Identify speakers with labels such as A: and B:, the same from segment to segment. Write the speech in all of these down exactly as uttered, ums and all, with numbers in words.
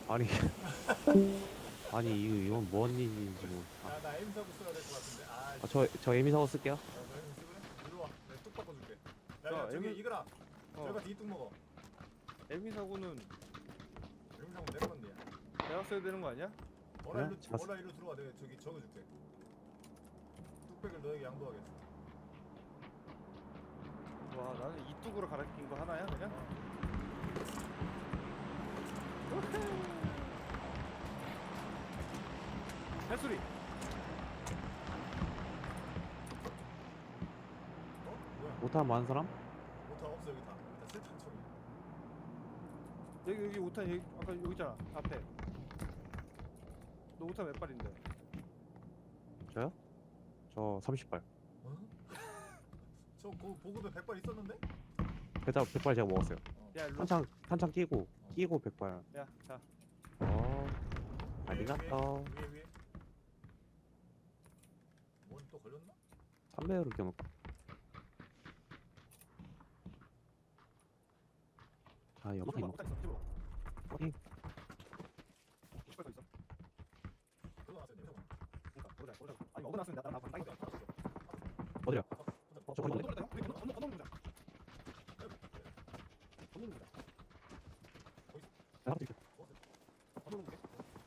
A: 아니 아니 이거 이건 뭔 일인지 뭐.
B: 야, 나 에임 사고 써야 될 것 같은데. 아,
A: 아, 저, 저 에미 사고 쓸게요.
B: 어, 너 에임 쓰래? 일로 와. 내가 뚝 바꿔줄게. 야,
C: 자,
B: 야, 저기
C: 에임-
B: 이거라.
C: 어.
B: 저희가 뒤뚝 먹어.
C: 에미 사고는
B: 에임 사고 내가 건데야.
C: 내가 써야 되는 거 아니야?
B: 어라
A: 그래?
B: 일로,
A: 자-
B: 어라 일로 들어와. 내가 저기 적어줄게. 뚝배기를 너에게 양보하겠어.
C: 와, 나는 이 뚝으로 갈아낀 거 하나야 그냥? 햇소리.
B: 어? 뭐야?
A: 못하면 많은 사람?
B: 못하 없어 여기 다. 여기 다 세탄 처리.
C: 여기 여기 오탄 여기 아까 여기 있잖아 앞에. 너 오탄 몇 발인데?
A: 저요? 저 삼십 발.
B: 어? 저 고, 보급에 백 발 있었는데?
A: 배달 백 발 제가 먹었어요.
B: 어.
C: 야 일로.
A: 한창, 한창 끼고, 끼고 백 발.
C: 야, 자.
A: 어,
B: 위에,
A: 아리가또.
B: 위에 위에. 뭔 또 걸렸나?
A: 삼 배율을 껴놓고. 자, 연막이
C: 이쪽으로
A: 먹
C: 오탄 있어. 이쪽으로.
A: 확인.
C: 오십 발 더 있어.
B: 그거 나왔어요. 냄새 나.
C: 그러니까 보자 보자. 아니 먹어 놨으면 나 나랑 빨리 가.
A: 어디야?
B: 어,
A: 저 거기
C: 건너 건너 건너 건너 건너 건너 건너
A: 내가 하나 드릴게요.
C: 건너 건너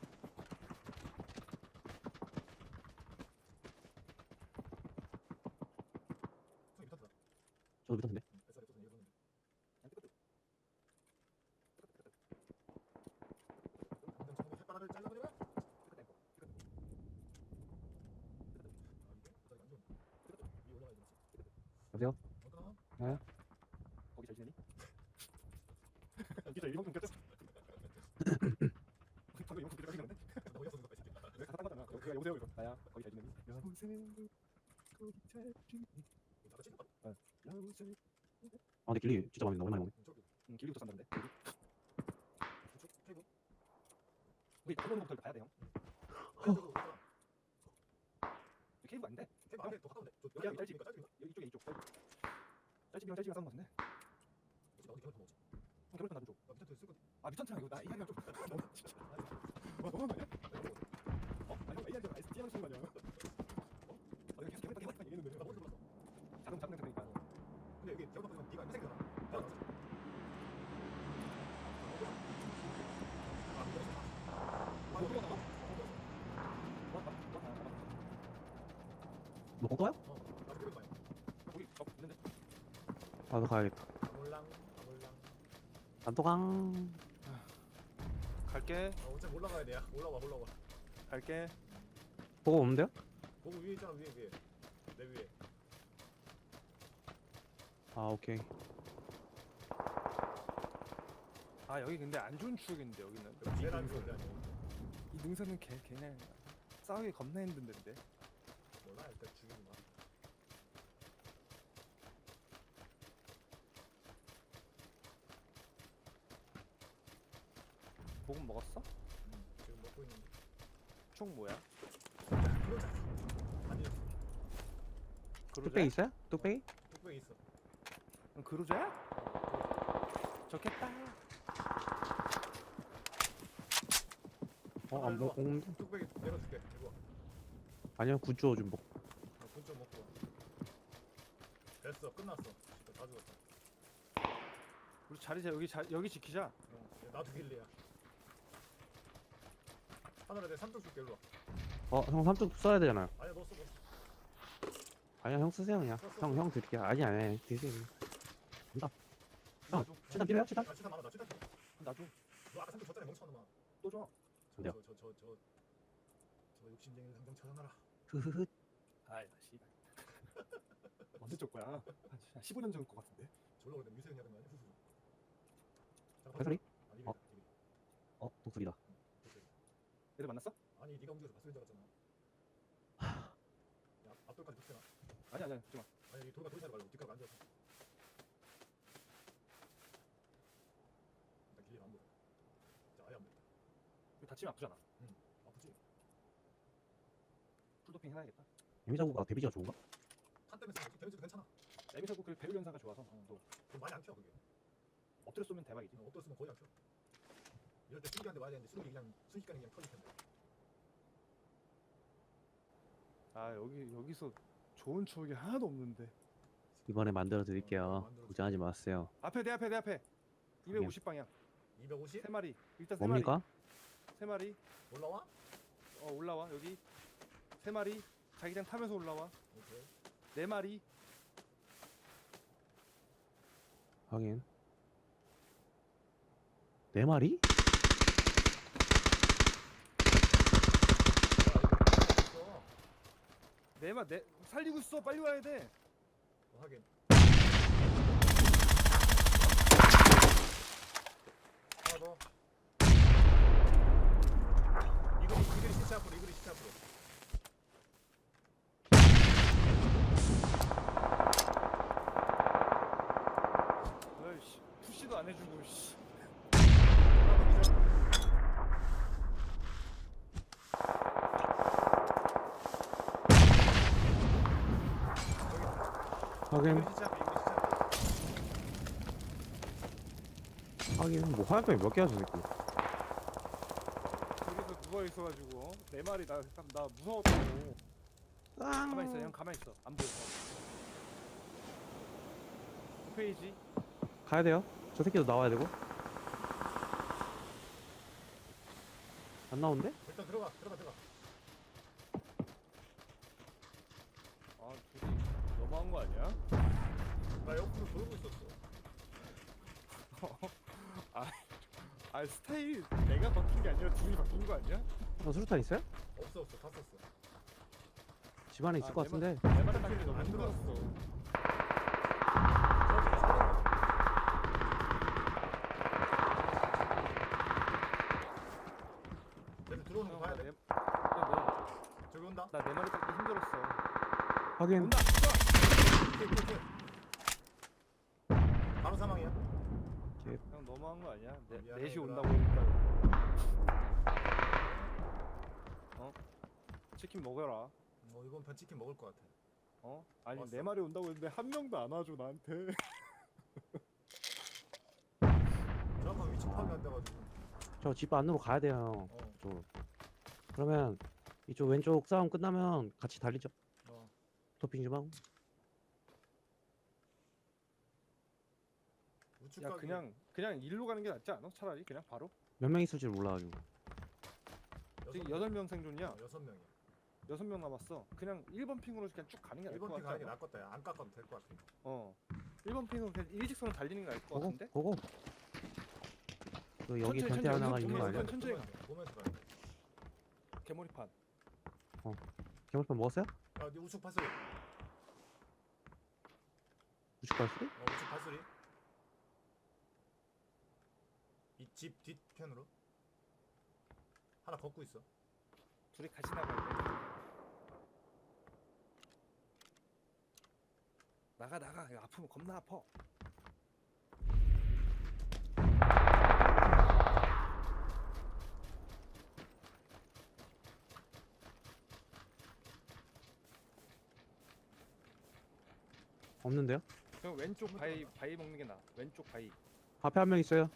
B: 손이 미쳤다.
A: 저도 밑었는데.
B: 뱃살이 없어서 이거 샀는데. 당장 전부 햇바닥을 잘라버리면? 아, 이게 뱃살이 안 좋은데. 위에 올라가야 되지.
A: 여보세요?
B: 어, 끊어?
A: 네?
C: 거기 잘 지내니? 진짜 이만큼 꼈어. 방금 이만큼 꼈는데?
B: 너무 였어, 누가 이 새끼.
C: 내가 다 딴거잖아. 그냥 여보세요 이거. 나야. 거기 잘 지내니? 여보세요. 거기 잘 지내니?
B: 나도 찐다.
C: 여보세요.
A: 아, 근데 길리 진짜 마음에 든다. 오랜만에 오네.
B: 저기,
C: 응, 길리부터 산다는데.
B: 저쪽, 페이브.
C: 우리 일본부터 가야 돼 형.
B: 페이브 있잖아.
C: 케이블 아닌데?
B: 페이브 앞에 더 가까운데? 저
C: 여기, 여기
B: 짧지?
C: 짧지?
B: 짧지?
C: 여기 이쪽에 이쪽. 짤집이랑 짤집이랑 싸운 거 같은데?
B: 그치, 나도 겨울 더 먹었지.
C: 형 결혼 나도 줘.
B: 나 밑에 쓸 건데.
C: 아 미천트랑 이거 나 에이아이랑 좀 너무 진짜. 와 너무 많이 어? 아니 형 에이아이랑 에스티랑 쓰는 거 아니야? 어? 아 여기 계속 개발 개발 얘기했는데
B: 나 먼저 몰랐어.
C: 자동 자동 되니까
B: 근데 여기 겨울 바꾸면 네가 회색이잖아. 야, 나왔어. 아, 이거 아, 이거 나와.
C: 왔다 왔다 왔다
A: 너 거기야?
B: 어, 나도 그런 거야.
C: 거기 저 있는데
A: 나도 가야겠다.
B: 몰랑, 몰랑.
A: 단토강.
C: 갈게
B: 어, 어차피 올라가야 돼. 야. 올라와, 올라와.
C: 갈게
A: 보고 오면 돼요?
B: 보고 위에 있잖아, 위에, 위에. 내 위에.
A: 아, 오케이.
C: 아 여기 근데 안 좋은 추억인데 여기는
B: 여기
C: 이
B: 제일 안
C: 능선
B: 좋은데 아니야.
C: 이 능선은 개 그냥 싸우기 겁나 힘든 데인데
B: 몰라, 일단 죽이는 거야.
C: 복은 먹었어?
B: 응, 지금 먹고 있는데.
C: 총 뭐야?
B: 그러자. 아니,
A: 뚝배기 있어요? 뚝배기?
B: 뚝배기 있어.
C: 응, 그루자야? 좋겠다
A: 어, 안 먹, 먹는데?
B: 뚝배기 내려줄게. 이거. 와.
A: 아니요, 굿즈어 좀 먹.
B: 어, 군좀 먹고 와. 됐어, 끝났어. 진짜 다 죽었다.
C: 우리 자리 자 여기 자 여기 지키자
B: 어, 야, 나도 길리야. 하늘에 내 삼뚝 줄게, 일로 와.
A: 어, 형 삼뚝 써야 되잖아요.
B: 아니야, 너 써, 너 써.
A: 아니야, 형 쓰세요, 그냥. 형, 형 드릴게요. 아니, 아니, 아니, 드세요. 간다. 형,
C: 나도
A: 치단 필요해요, 치단?
B: 나 치타 많아, 나 치타 필요.
C: 나도
B: 너 아까 삼뚝 줬잖아, 멍청한 놈아.
C: 또줘
A: 어디야?
B: 저, 저, 저, 저, 저 욕심쟁이를 당장 찾아놔라.
A: 흐흐흐.
C: 아이 나 씨발 언제 쪽 거야? 한 십오 년 전 거 같은데
B: 졸라 오래된 미세형 해야 되는 거 아니야? 후수. 잠깐,
A: 발소리?
B: 아니,
A: 어?
B: 어?
A: 어, 독수리다.
C: 애들 만났어?
B: 아니, 네가 움직여서 봤을 줄 알았잖아. 야, 앞돌까지 붙여놔.
C: 아니 아니 하지마
B: 아니, 이 돌과 돌 사이로 말고 뒷가락 앉아서. 일단 길리가 안 보여. 진짜 아예 안 보인다.
C: 이거 다치면 아프잖아
B: 아프지?
C: 풀도핑 해놔야겠다
A: 에미자구가 데미지가 좋은가?
B: 탄 때문에 쓰는 거지? 데미지도 괜찮아.
C: 에미사고 그 배율 연사가 좋아서
B: 어.
C: 또
B: 그럼 많이 안 켜, 그게.
C: 엎드려 쏘면 대박이지
B: 어, 엎드려 쓰면 거의 안 켜. 이럴 때 수직한테 와야 되는데 수직이 그냥 순식간에 그냥 터질 텐데.
C: 아 여기 여기서 좋은 추억이 하나도 없는데.
A: 이번에 만들어 드릴게요.
B: 어, 만들어줄게.
A: 걱정하지 마세요.
C: 앞에 내 앞에 내 앞에. 이백오십 방향.
B: 이백오십?
C: 세 마리. 일단 세
A: 뭡니까?
C: 마리. 세 마리.
B: 올라와?
C: 어 올라와 여기. 세 마리. 자기장 타면서 올라와.
B: 오케이.
C: 네 마리.
A: 확인. 네 마리?
B: 있어.
C: 네 마, 네 살리고 있어. 빨리 와야 돼.
B: 어, 하긴. 하나 더. 이글이 이글이 시체 앞으로 이글이 시체 앞으로.
C: 아이씨 푸시도 안 해주고 씨.
B: 하나 더 기절.
A: 확인.
B: 이글이 시체 앞에 이글이 시체 앞에.
A: 확인. 뭐 화염병이 몇 개야 저 새끼.
C: 여기서 누워 있어가지고 네 마리 나, 나 무서웠다고. 가만 있어 형 가만 있어 안 보여. 그 페이지.
A: 가야 돼요. 저 새끼도 나와야 되고. 안 나온대?
B: 일단 들어가 들어가 들어가.
C: 아 둘이 너무한 거 아니야?
B: 나 옆으로 돌고 있었어.
C: 아, 아 스타일 내가 바뀐 게 아니라 둘이 바뀐 거 아니야?
A: 어, 수류탄 있어요?
B: 없어 없어 다 썼어.
A: 집 안에 있을
C: 아,
A: 것
C: 내
A: 같은데.
C: 말- 내 말에 따지기 너무
B: 안
C: 힘들었어.
B: 쟤들 들어오는 거 봐야 돼. 저기 온다.
C: 나내 말에 따지기 힘들었어.
A: 확인.
C: 온다.
B: 오케이, 오케이, 오케이. 바로 사망이야.
C: 형 너무한 거 아니야? 네,
B: 미안해,
C: 넷이
B: 얘들아.
C: 온다고 하니까. 어? 치킨 먹어라.
B: 어 이번 편 치킨 먹을 것 같아.
C: 어? 아니
B: 왔어?
C: 네 마리 온다고 했는데 한 명도 안 와줘 나한테.
B: 정확한 위치 파악이 안 돼가지고.
A: 저 집 안으로 가야 돼요.
B: 어.
A: 이쪽으로. 그러면 이쪽 왼쪽 싸움 끝나면 같이 달리죠.
B: 어.
A: 토핑 좀 하고.
B: 우측
C: 야
B: 가기.
C: 그냥 그냥 일로 가는 게 낫지 않아? 차라리 그냥 바로?
A: 몇 명 있을 줄 몰라가지고.
C: 지금
B: 여섯
C: 여덟 명 생존이야.
B: 명. 어, 여섯 명이야.
C: 여섯 명 남았어. 그냥 일 번 핑으로 그냥 쭉 가는 게 나을 것
B: 일번 핑
C: 같아.
B: 가는 게 낫겠다. 야. 안 깎아도 될 것 같아.
C: 어. 일 번 핑으로 그냥 일직선으로 달리는 게 나을 것
A: 고고
C: 같은데?
A: 고고. 그 여기
C: 천천히,
A: 변태
C: 천천히,
A: 하나가
C: 여기
A: 있는 거 아니야?
C: 천천히.
B: 보면서 가, 보면서 가야 돼.
C: 개머리판.
A: 개물판 먹었어요?
B: 야, 네 우측 파소리. 어,
A: 우측 발소리?
B: 우측 파소리. 이 집 뒤편으로 하나 걷고 있어.
C: 둘이 같이 나가야 돼. 나가 나가. 이거 아프면 겁나 아파.
A: 없는데요?
C: 형 왼쪽 바위 바위 먹는 게 나아. 왼쪽 바위.
A: 앞에 한 명 있어요.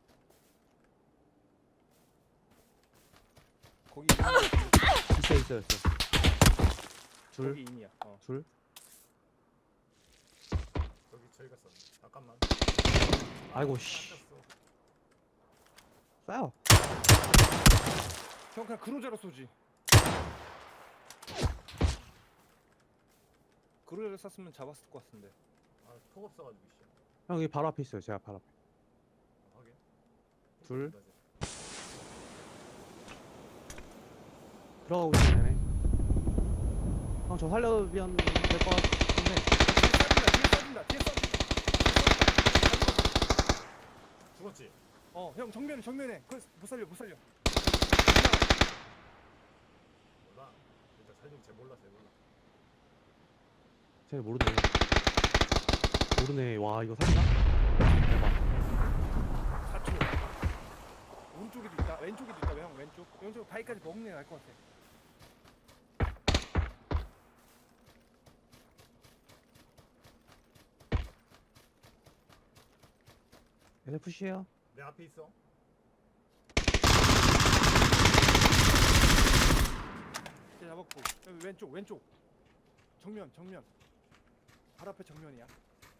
C: 거기
A: 있어 있어 있어. 줄.
C: 거기 인이야. 어.
A: 줄.
B: 여기 저희가 썼네. 잠깐만.
A: 아이고, 씨.
B: 깎았어.
A: 쏴요.
C: 형 그냥 그로자로 쏘지. 그로자로 쐈으면 잡았을 것 같은데.
B: 아, 톡 없어가지고 씨.
A: 형 여기 바로 앞에 있어요. 제가 바로 앞에.
B: 아, 하긴.
A: 둘.
B: 맞아.
A: 들어가고 있으면 되네. 형 저 살려면 될 것 같은데.
C: 뒤에 쏴진다. 뒤에 쏴진다. 뒤에 쏴.
B: 죽었지?
C: 어, 형 정면에 정면에. 그 못 살려 못 살려.
B: 몰라. 일단 살리고 쟤 몰라, 쟤 몰라.
A: 쟤 모르네. 모르네. 와 이거 살리나? 대박.
C: 사 초. 오른쪽에도 있다. 왼쪽에도 있다. 형 왼쪽. 왼쪽 바위까지 먹는 게 나을 것 같아.
A: 얘네 푸시해요.
B: 내 앞에 있어.
C: 잡았고. 여기 왼쪽 왼쪽. 정면 정면. 발 앞에 정면이야.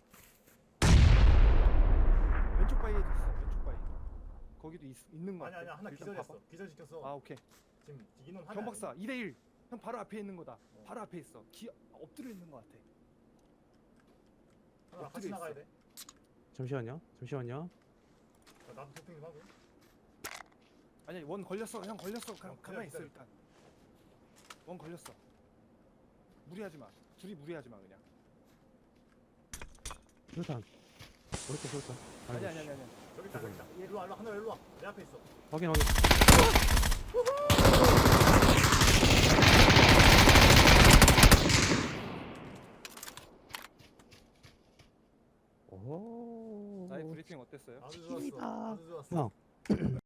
C: 왼쪽 바위에도 있어. 왼쪽 바위. 거기도 있, 있는 거
B: 아니
C: 같아.
B: 아니야 하나
C: 일단
B: 기절했어.
C: 봐봐.
B: 기절시켰어.
C: 아 오케이.
B: 지금 인원 하나.
C: 경 박사 이 대 일. 형 바로 앞에 있는 거다.
B: 어.
C: 바로 앞에 있어. 기 엎드려 있는 거 같아.
B: 하나 같이
C: 엎드려
B: 나가야
C: 있어.
B: 돼.
A: 잠시만요. 잠시만요.
B: 자, 나도 도핑 좀 하고.
C: 아니 원 걸렸어. 형 걸렸어. 가,
B: 어,
C: 가만히 있어
B: 기다려,
C: 일단. 원 걸렸어. 무리하지 마. 둘이 무리하지 마 그냥.
A: 수류탄. 그렇게 수류탄.
C: 아니 아니 아니 아니.
B: 저기 있다 저기 있다. 일로 와 일로 와 하나 일로 와. 내 앞에 있어.
A: 확인 확인. 오.
C: 나의 브리핑 어땠어요?
B: 아주 좋았어.
A: 힘이다.
B: 아주 좋았어.
A: 형.